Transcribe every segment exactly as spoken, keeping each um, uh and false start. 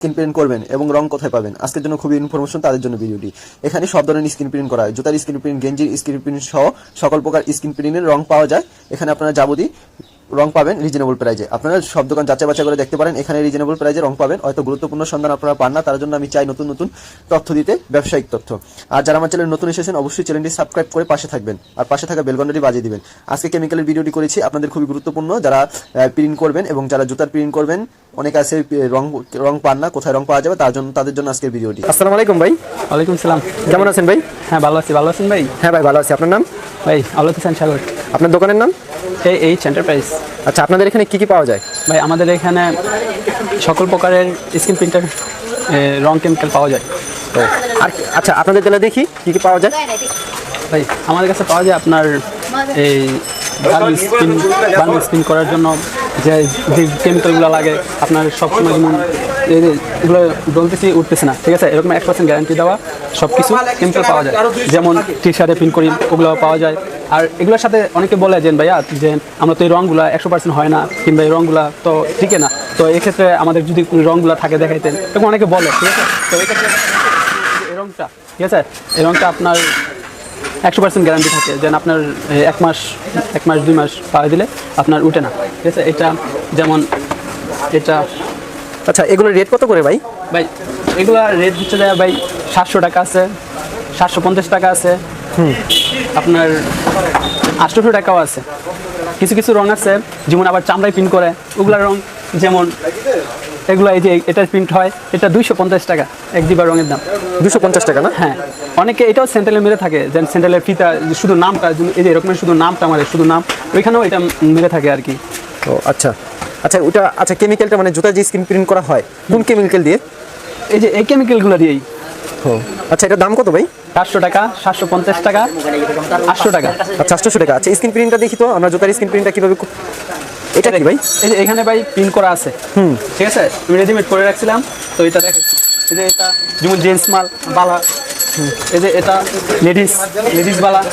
Screen print করবেন এবং রং কোথায় পাবেন আজকের জন্য খুবই ইনফরমেশন তাদের জন্য ভিডিওটি। এখানে সব ধরনের স্ক্রিন প্রিন্ট করা হয়, জুতার স্ক্রিন প্রিন্ট, গেঞ্জির স্ক্রিন প্রিন্ট সহ সকল প্রকার স্ক্রিন প্রিন্টের রং পাওয়া যায়। এখানে আপনারা যাবতীয় রং পাবেন রিজনেবল প্রাইজে। আপনারা সব দোকান যাচাই বাছাই করে দেখতে পারেন, এখানে রিজনেবল প্রাইজে রং পাবেন। হয়তো গুরুত্বপূর্ণ সন্ধান আপনারা পান না, তার জন্য আমি চাই নতুন নতুন তথ্য দিতে, ব্যবসায়িক তথ্য। আর যারা আমার চ্যানেল নতুন এসেছেন অবশ্যই চ্যানেলটি সাবস্ক্রাইব করে পাশে থাকবেন আর পাশে থাকা বেল ঘন্টাটি বাজিয়ে দিবেন। আজকে কেমিক্যালের ভিডিওটি করেছি আপনাদের খুবই গুরুত্বপূর্ণ, যারা প্রিন্ট করবেন এবং যারা জুতার প্রিন্ট করবেন, অনেকে আছে রং রং পান না, কোথায় রং পাওয়া যাবে তার জন্য তাদের জন্য আজকের ভিডিওটি। আসসালামু আলাইকুম ভাই। ওয়ালাইকুম সালাম। কেমন আছেন ভাই? হ্যাঁ ভালো আছি। ভালো আছেন ভাই? হ্যাঁ ভাই ভালো আছি। আপনার নাম? ভাই আলোক হোসেন সাগর। আপনার দোকানের নাম? এই এইচ এন্টারপ্রাইজ। আচ্ছা, আপনাদের এখানে কি কি পাওয়া যায়? ভাই আমাদের এখানে সকল প্রকারের স্ক্রিন প্রিন্টার রং কেমিক্যাল পাওয়া যায়। তো আর আচ্ছা, আপনাদের তাহলে দেখি কি কি পাওয়া যায়। ভাই আমাদের কাছে পাওয়া যায় আপনার এই বার্ন স্পিন বার্ন স্পিন করার জন্য যে যে কেমিক্যালগুলো লাগে আপনার সবসময়, যেমন এগুলো ডলতেছি উঠতেছে না, ঠিক আছে, এরকম এক পার্সেন্ট গ্যারান্টি দেওয়া সব কিছু কেমিক্যাল পাওয়া যায়। যেমন টি শার্টে প্রিন্ট করি ওগুলো পাওয়া যায়। আর এগুলোর সাথে অনেকে বলে যে ভাইয়া যে আমরা তো এই রঙগুলো একশো পার্সেন্ট হয় না, কিংবা এই রঙগুলো তো ঠিক না, তো এক্ষেত্রে আমাদের যদি রঙগুলো থাকে দেখাইতেন, এরকম অনেকে বলে, ঠিক আছে। তো এক্ষেত্রে এই রঙটা, ঠিক আছে, এই রঙটা আপনার একশো পার্সেন্ট গ্যারান্টি থাকে, যেন আপনার এক মাস এক মাস দুই মাস পাওয়া দিলে আপনার উঠে না, ঠিক আছে। এটা যেমন এটা। আচ্ছা, এগুলোর রেট কত করে ভাই? ভাই এগুলা রেট হচ্ছে যায় ভাই সাতশো টাকা আছে, সাতশো পঞ্চাশ টাকা আছে, হুম আপনার আটশোশো টাকাও আছে। কিছু কিছু রং আছে যেমন আবার চামড়ায় প্রিন্ট করে, ওগুলার রং যেমন এগুলো, এই যে এটার প্রিন্ট হয়, এটা দুইশো পঞ্চাশ টাকা এক দিবার রঙের দাম। দুশো পঞ্চাশ টাকা না? হ্যাঁ, অনেকে এটাও সেন্ট্রালে মেরে থাকে, যে সেন্ট্রালের ফিতা শুধু নামটা, এই যে এরকমের শুধু নামটা মারে, শুধু নাম, ওইখানেও এটা মেরে থাকে আর কি। ও আচ্ছা আচ্ছা, ওটা আচ্ছা, কেমিক্যালটা মানে জুতা যে স্ক্রিন প্রিন্ট করা হয় কোন কেমিক্যাল দিয়ে? এই যে এই কেমিক্যালগুলো দিয়েই। ও আচ্ছা, এটার দাম কত ভাই? চারশো টাকা, সাতশো পঞ্চাশ টাকা, আটশো টাকা। আচ্ছা, আটশো টাকা। আচ্ছা, স্ক্রিন প্রিন্টটা দেখি তো আমরা, জুতার স্ক্রিন প্রিন্টটা কীভাবে, এটা কি ভাই? এই যে এখানে ভাই প্রিন্ট করা আছে, হুম ঠিক আছে, আমি রেডিমেড করে রাখছিলাম, তো এটা দেখাচ্ছি। এই যে এটা যেমন জেন্টস মাল বালা, এই যে এটা লেডিস লেডিস বালা,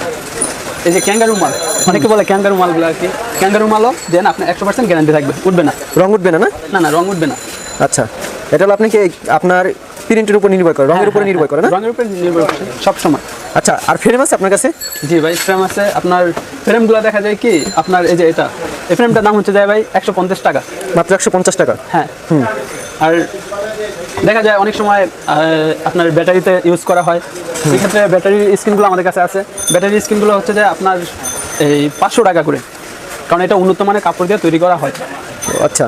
এই যে ক্যাঙ্গারু মাল, অনেকে বলে ক্যাঙ্গারু মালগুলো আর কি। ক্যাঙ্গারু মালও দেন আপনার একশো পার্সেন্ট গ্যারান্টি থাকবে, উঠবে না, রং উঠবে না? না না না, রং উঠবে না। আচ্ছা, এটা হলো আপনাকে আপনার প্রিন্টের উপর নির্ভর করে, রঙের উপর নির্ভর করে না? রঙের উপর নির্ভর করে সব সময়। আচ্ছা, আর ফ্রেম আছে আপনার কাছে? জি ভাই, ফ্রেম আছে। আপনার ফ্রেমগুলো দেখা যায় কি, আপনার এই যে এটা, এই ফ্রেমটার দাম হচ্ছে যায় ভাই একশো পঞ্চাশ টাকা, মাত্র একশো পঞ্চাশ টাকা? হ্যাঁ। হুম আর দেখা যায় অনেক সময় আপনার ব্যাটারিতে ইউজ করা হয়, সেক্ষেত্রে ব্যাটারির স্ক্রিনগুলো আমাদের কাছে আছে। ব্যাটারির স্ক্রিনগুলো হচ্ছে যে আপনার এই পাঁচশো টাকা করে, কারণ এটা উন্নত মানের কাপড় দিয়ে তৈরি করা হয়। আচ্ছা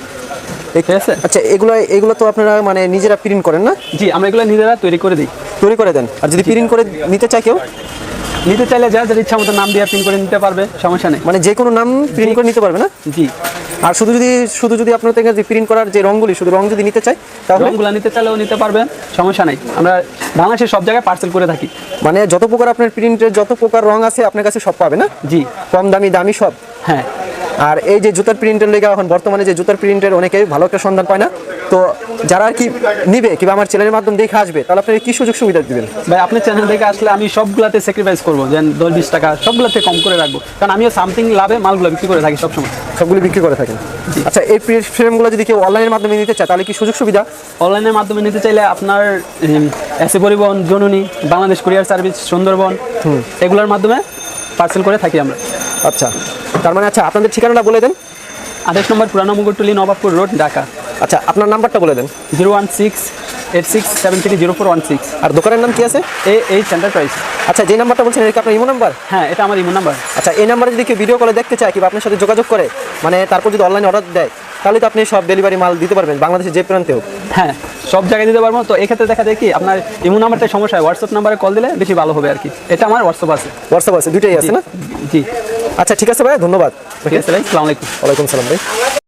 ঠিক আছে। আচ্ছা, এগুলো এগুলো তো আপনারা মানে নিজেরা প্রিন্ট করেন না? জি, আমরা এগুলো নিজেরা তৈরি করে দিই। তৈরি করে দেন? আর যদি প্রিন্ট করে নিতে চায় কেউ? নিতে চাইলে যা যার ইচ্ছা মতো নাম দিয়ে প্রিন্ট করে নিতে পারবে, সমস্যা নেই। মানে যে কোনো নাম প্রিন্ট করে নিতে পারবে না? জি। আর শুধু যদি শুধু যদি আপনার থেকে প্রিন্ট করার যে রঙগুলি, শুধু রং যদি নিতে চাই তাহলে? রঙগুলো নিতে চাইলেও নিতে পারবে, সমস্যা নেই। আমরা বাংলাদেশের সব জায়গায় পার্সেল করে থাকি। মানে যত প্রকার আপনার প্রিন্টের যত প্রকার রং আছে আপনার কাছে সব পাবে না? জি। কম দামি দামি সব? হ্যাঁ। আর এই যে জুতার প্রিন্টের লেগে এখন বর্তমানে যে জুতার প্রিন্টের অনেকে ভালো একটা সন্ধান পায় না, তো যারা আর কি নিবে কিংবা আমার চ্যানেলের মাধ্যমে দেখে আসবে, তাহলে আপনি কি সুযোগ সুবিধা দিবেন? ভাই আপনার চ্যানেল দেখে আসলে আমি সবগুলাতে স্যাক্রিফাইস করবো, যে দশ বিশ টাকা সবগুলোতে কম করে রাখবো, কারণ আমিও সামথিং লাভে মালগুলো বিক্রি করে থাকি সবসময়। সবগুলো বিক্রি করে থাকেন? আচ্ছা, এই ফ্রেমগুলো যদি কেউ অনলাইনের মাধ্যমে নিতে চায় তাহলে কি সুযোগ সুবিধা? অনলাইনের মাধ্যমে নিতে চাইলে আপনার এসএ পরিবহন, জননী, বাংলাদেশ কুরিয়ার সার্ভিস, সুন্দরবন, এগুলোর মাধ্যমে পার্সেল করে থাকি আমরা। আচ্ছা, তার মানে আচ্ছা, আপনাদের ঠিকানাটা বলে দেন। আঠাশ নম্বর পুরানো মুকুটটুলি, নবাবপুর রোড, ঢাকা। আচ্ছা, আপনার নাম্বারটা বলে দেন। Zero one six eight six seven three zero four one six. আর দোকানের নাম কি আছে? A H enterprise. আচ্ছা, যে নাম্বারটা বলছেন এটা কি আপনার ইমো নাম্বার? হ্যাঁ, এটা আমার ইমো নাম্বার। আচ্ছা, এই নাম্বারে যদি কেউ ভিডিও কলে দেখতে চায় কিংবা আপনার সাথে যোগাযোগ করে, মানে তারপর যদি অনলাইনে অর্ডার দেয়, তাহলে তো আপনি সব ডেলিভারি মাল দিতে পারবেন বাংলাদেশের যে প্রান্তে হোক? হ্যাঁ, সব জায়গায় দিতে পারবো। তো এক্ষেত্রে দেখা যায় কি, আপনার ইমো নাম্বারটা সমস্যা হয়, হোয়াটসঅ্যাপ নাম্বারে কল দিলে বেশি ভালো হবে আর কি। এটা আমার হোয়াটসঅ্যাপ আছে। হোয়াটসঅ্যাপ আছে, দুইটাই আছে না? জি। আচ্ছা, ঠিক আছে ভাই, ধন্যবাদ। ঠিক আছে ভাই, আসসালামু আলাইকুম। ওয়ালাইকুম সালাম ভাই।